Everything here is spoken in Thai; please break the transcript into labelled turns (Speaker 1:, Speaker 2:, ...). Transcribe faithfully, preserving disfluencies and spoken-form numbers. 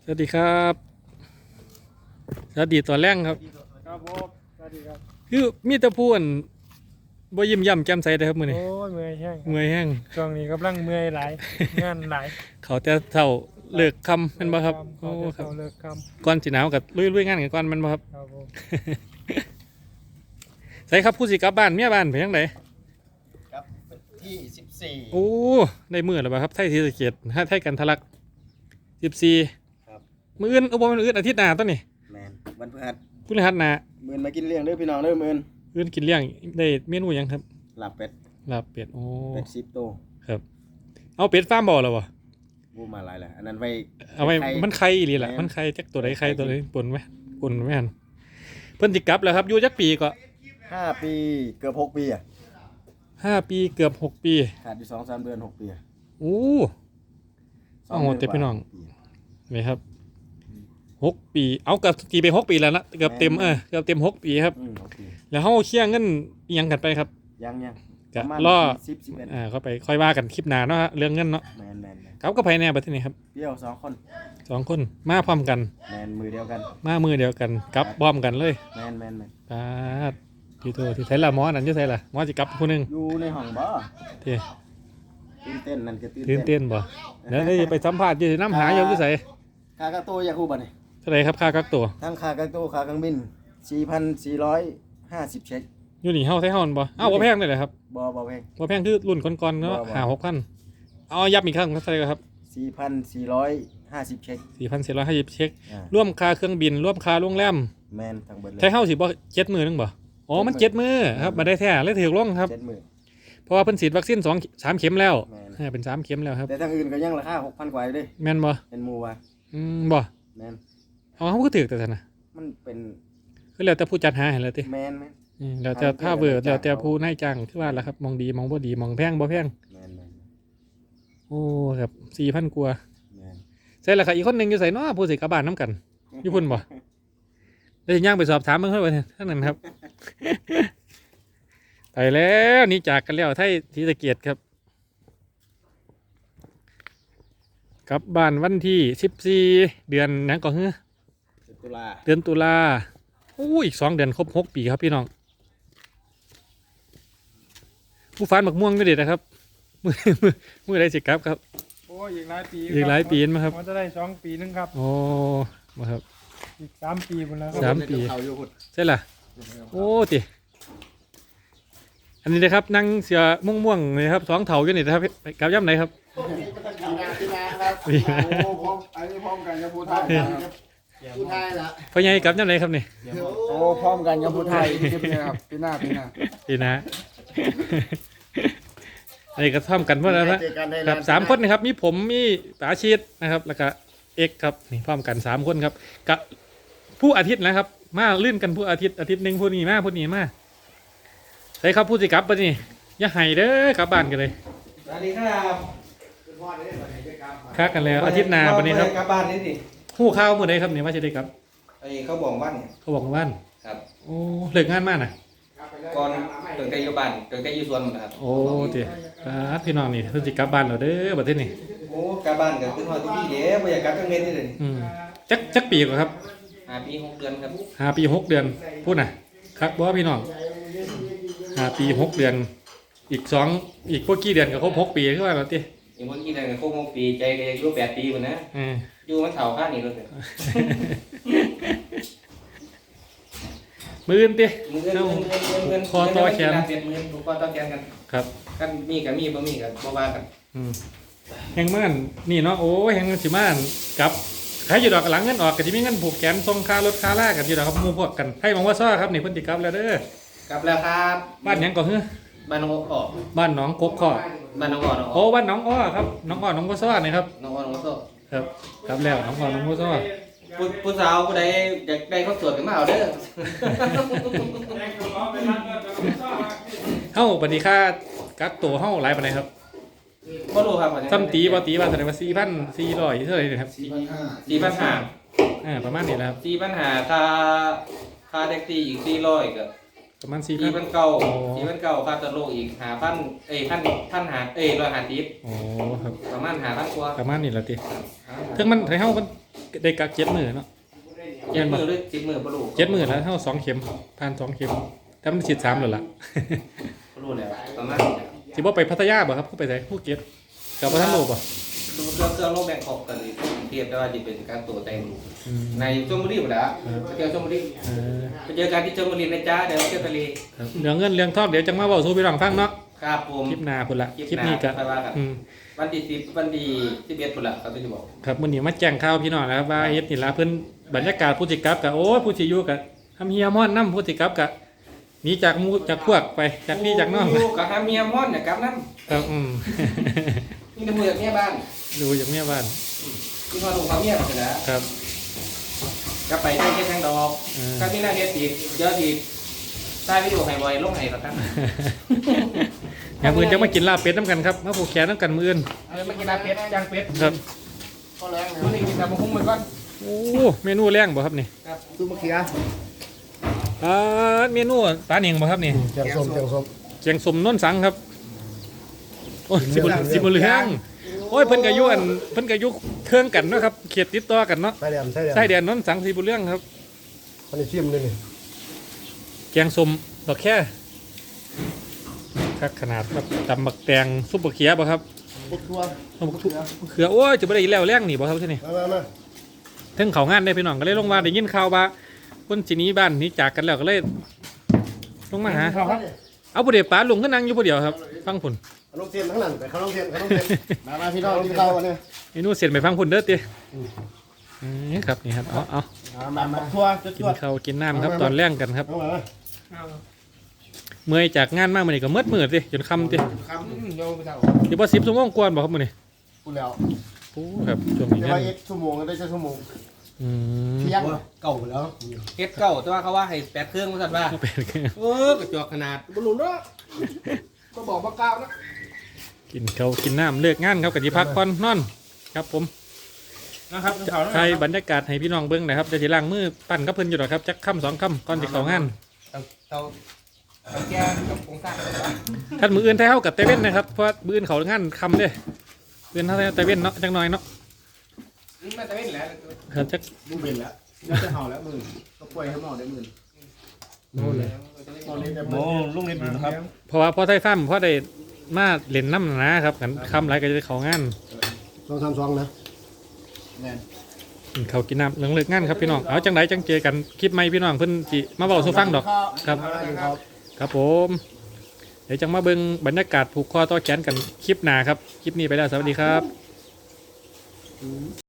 Speaker 1: สวัสดีครับสวัสดีตอนแรกครับ
Speaker 2: ครับผมสวัสดีครับ
Speaker 1: คือมีแต่พูนบ่ยิ้มย่ำแจ่มใสเลยครับมื้อนี้
Speaker 2: โอ้ยเมื่อยแห้ง
Speaker 1: เมื่อยแห้ง
Speaker 2: ช่วงนี้กำลังเมื่อยหลายงานหลาย
Speaker 1: เขาแต่เช้าเลิกค่ำแม่นบ่ครับ
Speaker 2: โอ้
Speaker 1: โอ้
Speaker 2: ค
Speaker 1: ค
Speaker 2: รั
Speaker 1: รั
Speaker 2: บบ เลิกค
Speaker 1: ก่อนสิหนาวก็ลุยๆงานกันก่อนแม่นบ่ครับ
Speaker 2: ำครับผม
Speaker 1: ใส่ครับผู้สิกลับบ้านเมียบ้านไปจังได
Speaker 3: ครับที่สิบสี่
Speaker 1: โอ้ได้มื้อแล้วบ่ครับไทยศรีสะเกษไทยกันทะลักสิบสี่
Speaker 3: ครับ
Speaker 1: มื้ออื่นเอาบ่มื้ออื่นอาทิตย์หน้าต้นนี่
Speaker 3: แมนวันพฤหัส
Speaker 1: พฤหัสหน้า
Speaker 3: หมื่นมากินเลี้ยงเด้อพี่น้องเด้อหมื่น
Speaker 1: อื่นกินเลี้ยงได้เมนูหยังครับ
Speaker 3: หลับเป็ด
Speaker 1: ลาบเป็ดโอ้
Speaker 3: เป็ดสิบโตว
Speaker 1: ครับเอาเป็ดฟาร์มบ่แล้วบ่
Speaker 3: บูมาหลายแหละอันนั้นไว้
Speaker 1: เอาไว้
Speaker 3: ไข่
Speaker 1: มันไข่อีหลีล่ะ
Speaker 3: แม่น
Speaker 1: มันไข่จักตัวใดไข่ตัวใดปนไหมปนไหมหั่นเพิ่นสิกลับแล้วครับอยู่จักปีก็
Speaker 3: ห้าปีเกือบหกปีอ่ะ
Speaker 1: ห้าปีเกือบหกปี
Speaker 3: ขาดอยู่สองสามเดือนหกปีอะ
Speaker 1: โอ้ เอาหมดเต็มพี่น้อง นี่ครับหกปีเอาเกือบตีไปหกปีแล้วนะเกือบเต็มเออเกือบเต็มหกปีครับ
Speaker 3: อืมหกปี
Speaker 1: แล้วเฮาเคลียร์เงินอิหยังกันไปครับ
Speaker 3: ยังยัง
Speaker 1: ก็
Speaker 3: ประมาณ
Speaker 1: รอ
Speaker 3: สิบสิบเอ็ด
Speaker 1: อ่าเข้าไปค่อยว่ากันคลิปหน้าเนาะฮะเรื่องเงินเนาะ
Speaker 3: แมนแมนแมน
Speaker 1: ครับก็ภายในประเทศนี้ครับ
Speaker 3: เปรี้ยวสองคน
Speaker 1: สองคนมาพร้อมกัน
Speaker 3: แมนมือเดียวกัน
Speaker 1: มามือเดียวกันกลับพร้อมกันเลย
Speaker 3: แมนแมนแมน
Speaker 1: ปาดที่ตัวที่ไสล่ะหมอนั่นอยู่ไสล่ะหมอสิกลับผู้หนึง
Speaker 3: อยู่ในห้องบ่
Speaker 1: ที่
Speaker 3: ตื่นเต้นนั่นก็ตื่น
Speaker 1: ตื่นเต้นบ่เดี๋ยวได้ไปสัมภาษณ์อยู่น้ำหาอยู่ที่ไส
Speaker 3: ค่ากักตัวอยากคู่บ่เนี่ย
Speaker 1: เท่าไหร่ครับค่ากักตัว
Speaker 3: ทั้งค่ากักตัวค่าเครื่องบินสี่พันสี่ร้อยห้าสิบเช็ค
Speaker 1: อยู่นี่เฮาไทยเฮานั่นบ่อ้าวบ่แพงเลยเหรอครับ
Speaker 3: บ่บ่เพง
Speaker 1: บ่แพงคือรุ่นก่อนๆเนาะ
Speaker 3: บ่บ่
Speaker 1: ห้าหกพันเอาย้ำอีกครั้งเท่าไหร่ครับ
Speaker 3: สี่พันสี่ร้อยห้าสิบเช็ค
Speaker 1: สี่พันสี่ร้อยห้าสิบเช็ค
Speaker 3: อ่า
Speaker 1: ร่วมค่าเครื่องบินร่วมค่าโรงแรม
Speaker 3: แมนทั้งเบิดเลย
Speaker 1: ไทยเฮาสิบ่เจ็ดมื้อนึงบ่อ๋อมันเจ็ดมื้อครับบ่ได้แท้เลยถูกลงครับ
Speaker 3: เจ็ดหมื่น
Speaker 1: เพราะว่าเพิ่นฉีดวัคซีนสอง สามเข็มแล้ว
Speaker 3: แม่น
Speaker 1: เออเป็นสามเข็มแล้วครับ
Speaker 3: แต่ทางอื่นก็ยังราคาหกพันกว่าอยู่เด้
Speaker 1: แม่นบ่
Speaker 3: เป็นหมูว่ะ
Speaker 1: อืมบ่
Speaker 3: แมน
Speaker 1: อ๋อเฮาก็ถูกแต่ซั่นน่ะ
Speaker 3: มันเป็น
Speaker 1: คือแล้วแต่ผู้จัดหาให้แล้วติ
Speaker 3: แมนแมน
Speaker 1: อืมแล้วแต่ถ้าเวิร์ดแล้วแต่ผู้นายจ้างคือว่าล่ะครับมองดีมองบ่ดีมองแพงบ่แพง
Speaker 3: แมนแมน
Speaker 1: โอ้ครับสี่พันกว่า
Speaker 3: แมน
Speaker 1: ใช่ละครับอีกคนหนึ่งอยู่ใส่เนาะผู้สิกลับบ้านน้ำกันอยู่พุ่นบ่ได้ย่างไปสอบถามเบิ่งเพิ่นว่าท่านนั้นครับ ไปแล้วหนี่จากกันแล้วไทยศรีสะเกษครับกลับบ้านวันที่สิบสี่เดือนหยังก็คือ
Speaker 3: สิบตุลา
Speaker 1: เดือนตุลาโอ้อีกสองเดือนครบหกปีครับพี่น้องผู้ฟานบักม่วงก็เด็ดนะครับ มือมือมือได้สิกลับครับ
Speaker 2: โอ้ยอีกหลายปี
Speaker 1: อีกหลายปีมั้ยครับ
Speaker 2: มันจะได้สองปีนึงครับ
Speaker 1: โอ้มาครับ
Speaker 2: อีกสามปีหมดแล้วค
Speaker 1: สา
Speaker 2: รับ
Speaker 1: มปี
Speaker 3: เขาอยู่หุ่น
Speaker 1: ใช่ล่ะ โอ้ติอันนี้นะครับนั่งเสือม่วงม่วงๆเลยครับสองเถาอยู่นี่นะครับไปกลับย่ำไหนครับ
Speaker 3: ปีนาปีนาครับ
Speaker 1: ปีนา
Speaker 3: โอ้พร้อมอันนี้พร้อมกันกับผู้ไทยผู้ไทยละ
Speaker 1: พ่อใหญ่กลับย่ำไหนครับนี่
Speaker 3: โอ้พร้อมกันกับผู้ไทยคลิปนี้ครับปีหน้าปีหน้า
Speaker 1: ปีนะ อันนี้ก็ท่อมกันเพื่อนแล้วนะ
Speaker 3: เจอกันได้
Speaker 1: ครับสามคนนะครับมีผมมีป๋าชีดนะครับแล้วก็เอกครับนี่พร้อมกันสามคนครับกับผู้อาทิตย์นะครับ มาลื่นกันผู้อาทิตย์อาทิตย์หนึ่งผู้นี้มาผู้นี้มาใช่ครับผู้สิกลับปะนี่อย่าให้เด้อกลับบ้านกันเลย
Speaker 4: สวัสดีครับ
Speaker 1: ค้ากันแล้วอาทิตย์หน้าวันนี้ครับ
Speaker 4: กลับบ้านนี่สิ
Speaker 1: ผู้ข้าวมื่อใดครับเนี่ยว่าจะได้ครับ
Speaker 4: ไอ้เขาบอกว่าเนี่ย
Speaker 1: เขาบอกว่า
Speaker 4: ครับ
Speaker 1: โอ้เลิกงานมากนะ
Speaker 4: ก่อนเกิดใกล้อยู่บ้านเกิดใกล้อยู่สวนหมดนะครับ
Speaker 1: โอ้เดี๋ยวครับพี่น้องนี่เพิ่นสิกลับบ้านแล้วเด้อประเทศนี้
Speaker 4: โอ้กลับบ้านก็คือฮอดที่เด้บ่อยากกลับจังเม็ดนี่เลย
Speaker 1: อืมจักจักปีกว่าครับ
Speaker 4: ห้าปีหกเดือนครับ
Speaker 1: ห้าปีหกเดือนพูดน่ะครับบ่พี่น้องห้าปีหกเดือน อีกสองอีกพวกกี่เดือนก็ครบหกปีคือว่าแล้วติ
Speaker 4: อย่างเมื่อกี้นั่นก็คงหกปีใจก็อายุแปดปีพุ่นนะ
Speaker 1: เออ
Speaker 4: อยู่มันเฒ่าข้างนี้เลย
Speaker 1: มื้ออื่นติ
Speaker 4: มือเงินเงินเงินเงินเงิน
Speaker 1: คอต่อแขน
Speaker 4: เป็นมือคอต่อแขนกัน
Speaker 1: ครับ
Speaker 4: กันมีก็มีบ่มีก็บ่ว่ากัน
Speaker 1: อืมแห่งม่านนี่เนาะโอ้ยแห่งสิม่านกลับใครอยู่ดอกหลังเงินออกก็สิมีเงินผูกแขนส่งค่ารถค่าลากันอยู่ดอกครับหมู่พวกกันให้มองว่าซ้อครับนี่เพิ่นสิกลับแล้วเด้อก
Speaker 4: ลับแล้วครับ
Speaker 1: บ้านหยังก็คือ
Speaker 4: บ้านน้องอ้อ
Speaker 1: บ้านหนองกบข้อ
Speaker 4: บ้านน้องอ้อน้องอ้
Speaker 1: โอ้
Speaker 4: อ
Speaker 1: บ้านหนองอ้อครับหนองอ้อหนองบัวซ้อนี่ครับ
Speaker 4: น้องอ้อน้องอ้อ
Speaker 1: ครับครับแล้วหนองอ้อหนองบัวซ้อ
Speaker 4: ผู้ผู้สาวผู้ใดอยากได้ข้าวสวยก็มาเอาเด้อ
Speaker 1: เฮ้าปฏิค่ากักตัวเฮ้าหลายปานใดครับ
Speaker 4: บ่รู้ครับ
Speaker 1: ซ้ำตีบ่ตีว่าแสดงว่าสี่พันสี่ร้อยเท่าไหร่นะครับ
Speaker 4: สี่พันห้า
Speaker 1: อ่าประมาณนี้แหละครับ
Speaker 4: สี่พันห้าค่าค่าแท็กซี่อีกสี่ร้อยก็
Speaker 1: ประมาณสี่
Speaker 4: สี่
Speaker 1: พั
Speaker 4: พั
Speaker 1: น
Speaker 4: นเก้า
Speaker 1: โอ้
Speaker 4: สี่พันเก้าค่าตะโลอีกห้าพันเอ้ยพันพันหาเอ้ยร้อยห้าสิบ
Speaker 1: โอ้ครับ
Speaker 4: ประมาณห้าพันกว่า
Speaker 1: ประมาณนี้แหละติถึงมันไทยเฮ้ามันได้กักเจ็ดมือเนาะ
Speaker 4: เจ็ดมือหรือสิบมือบ่รู้
Speaker 1: เจ็ดมือแล้วเท่าสองเข็มผ่านสองเข็มแต่มันฉีดสามแล้วล่ะ
Speaker 4: บ่รู้แล้วประมาณนี้
Speaker 1: สิบ่ไปพัทยาบ่ครับผู้ไปไสผู้เก็ตกับบ่ทันโลบ่
Speaker 4: คือเครื่องเครื่องโลกแบงกอกกันนี่เทียบได้ว่าจะเป็นการตัวแต่ง
Speaker 1: อืม
Speaker 4: ในชลบุรีหมดแล้วไปเจอชลบุรี
Speaker 1: เออ
Speaker 4: ไปเจอกันที่ชลบุรีนะจ๊ะเดี๋ยวเที่ยวทะเล
Speaker 1: ครับเรื่องเงินเรื่องทองเดี๋ยวจังมาเว้าสู่พี่น้องฟังเนาะ
Speaker 4: ครับผม
Speaker 1: คลิปหน้าพุ่นละ
Speaker 4: คลิป
Speaker 1: คลิป
Speaker 4: หน้า
Speaker 1: นี้ก็
Speaker 4: ค่อยว่ากัน
Speaker 1: อืม
Speaker 4: วันที่สิบวันที่สิบเอ็ดพุ่นละเขาจะบอก
Speaker 1: ครับมื้อนี้มาแจ้งข่าวพี่น้องนะครับว่าเฮ็ดนี่ล่ะเพิ่นบรรยากาศผู้สิกลับก็โอ้ยผู้สิอยู่ก็ทำเฮียม่อนนํผู้สิกลับก็หนีจากหมู่จากพวกไปจากพี่จากน้อง
Speaker 4: อยู่กับฮาเมียมอนเนี่ยกับน้
Speaker 1: ครับอืม
Speaker 4: ำนี่เป็นมือจากเมียบ้าน
Speaker 1: ดูอย่างเมียบ้าน
Speaker 4: ที่มาลงความเมียกันนะครับ กลับไปได้แค่ทางดอก
Speaker 1: เออ
Speaker 4: ถ้ามีหน้าเฮ็ดอีกเดี๋ยอะอีกใต้วิดีโอให้บ่อยลงให้ครับ
Speaker 1: อย่างอื่นจะมากินลาบเป็ดน้ำกันครับมาผูกแขนน้ำกันมื้ออื่น
Speaker 4: เอามากินลาเป็ดย่างเป็ด
Speaker 1: ครับ
Speaker 3: ก็แรงนะ
Speaker 4: มื้อนี้กินแต่บะฮุ้งมันก่อน
Speaker 1: โอ้เมนูแรงบ่ครับนี่
Speaker 4: ครับ
Speaker 3: ตู้มะเขือ
Speaker 1: อ่าเมนูปลาเหนียงบ่ครับนี่
Speaker 3: แกงส้มแกงส้ม
Speaker 1: เจียงสมน้นสังครับโอ้ยสิบสิบเหลืองโอ้ยเพิ่นก็อยู่อันเพิ่นก็อยู่เครื่องกันเนาะครับเขตติดต่อกันเนาะ
Speaker 3: ใส่แดงใส่แดง
Speaker 1: ใส่แดนน้นสังสีบุญเรื่องครับ
Speaker 3: อันนี้ชิมเลยนี่
Speaker 1: แกงสมดอกแค่ครับขนาดครับตำบักแตงซุปบักเขียบ่ครับ
Speaker 3: ปุ๊บทัว
Speaker 1: ซุปบักทุเขือโอ้ยจะบ่ได้อีแล้วแรงนี่บ่ครับที่นี่
Speaker 3: มามามา
Speaker 1: ถึงเขางานได้พี่น้องก็เลยลงมาได้ยินข่าวว่าคนสิหนี้บ้านหนี้จากกันแล้วก็เลยลงมาหา
Speaker 2: ครับ
Speaker 1: เอาผู้เดียวป๋าลุงก็นั่งอยู่ผู้เดียวครับฟังผล
Speaker 3: ลงเทียนทั้งนั้นไปเขาลงเทียนเขาลงเทียนมามาพี่น้องที่เขาวันนี้
Speaker 1: เมนูเสร็จไปฟังผลเด้อตินี่ครับนี่ครับเอาเอา
Speaker 3: มามาทัวร์จุด
Speaker 1: กิ
Speaker 3: จ
Speaker 1: น
Speaker 3: วด
Speaker 1: ข้าวกินน้ำครับตอนแรงกันครับ
Speaker 3: เอามา
Speaker 1: เมื่อยจากงานมากมื้อนี้ก็มืดมืดติจนค่ำติ
Speaker 3: ครับ
Speaker 4: อืมโยมไปเจ้า
Speaker 1: สิบ่สิบชั่วโมงกว่าบ่ครับมื้อนี้
Speaker 3: พูดแล้ว
Speaker 1: โอ้ครับช่วงนี้
Speaker 3: จะ
Speaker 1: งา
Speaker 3: ว่าน เอ็กชั่วโมงก็ได้ชั่วโมง
Speaker 1: อืม
Speaker 3: เที่ยงเก่าแล้ว
Speaker 4: เฮ็ดเก่าแต่ว่าเขาว่าให้แปดเครื่องว่าซั่นว่า
Speaker 1: เป็นไง
Speaker 4: เออกระจอกขนาดบ่รู้เนาะก็บอกบ่กล่าวนะ
Speaker 1: กินข้าวกินน้ำเลิกงานครับกับที่พักผ่อนนอนครับผม
Speaker 2: นะครับเขา
Speaker 1: ใครบรรยากาศให้พี่น้องเบิ้งหนะครับเดี๋ยวสิล้างมือปั่นกับเพิ่นอยู่หรอกครับจักค่ำสองค่ำก่อนสิเข้างาน
Speaker 4: เตาเตาเตาแก้กับผงซ่า
Speaker 1: ท่านมืออื่นไทยเฮากับเตเว่นนะครับเพราะว่ามืออื่นเขางานค่ำเด้มืออื่นเฮาเตเว่นเนาะจักหน่อยเนาะ
Speaker 4: อืมมันจะไม่แหละ
Speaker 1: ครับจัก
Speaker 3: มึงเป็นแล้วยังจะเห่าแล้วมึงก็ปล่อยให้หมอได้มึงโน่นเลยโน่นเลยแต่มึง
Speaker 2: ลุงเล็ดอยู่นะครับ
Speaker 1: เพราะว่าพอไทยฟ้าร์มพอได้มาเล่นน้ำนะครับกันค่ำไรก็จะได้เข้างาน
Speaker 3: ลองทำซองนะแม่น
Speaker 1: กินข้าวกินน้ำเลิกเลิกงานครับพี่น้องเอาจังไดจังเจอกันคลิปใหม่พี่น้องเพิ่นสิมาเว้าสู่ฟังดอกครับ
Speaker 3: ครับ
Speaker 1: ครับผม เดี๋ยวจังมาเบิ่งบรรยากาศผูกคอต่อแขนกันคลิปหน้าครับ คลิปนี้ไปแล้ว สวัสดีครับ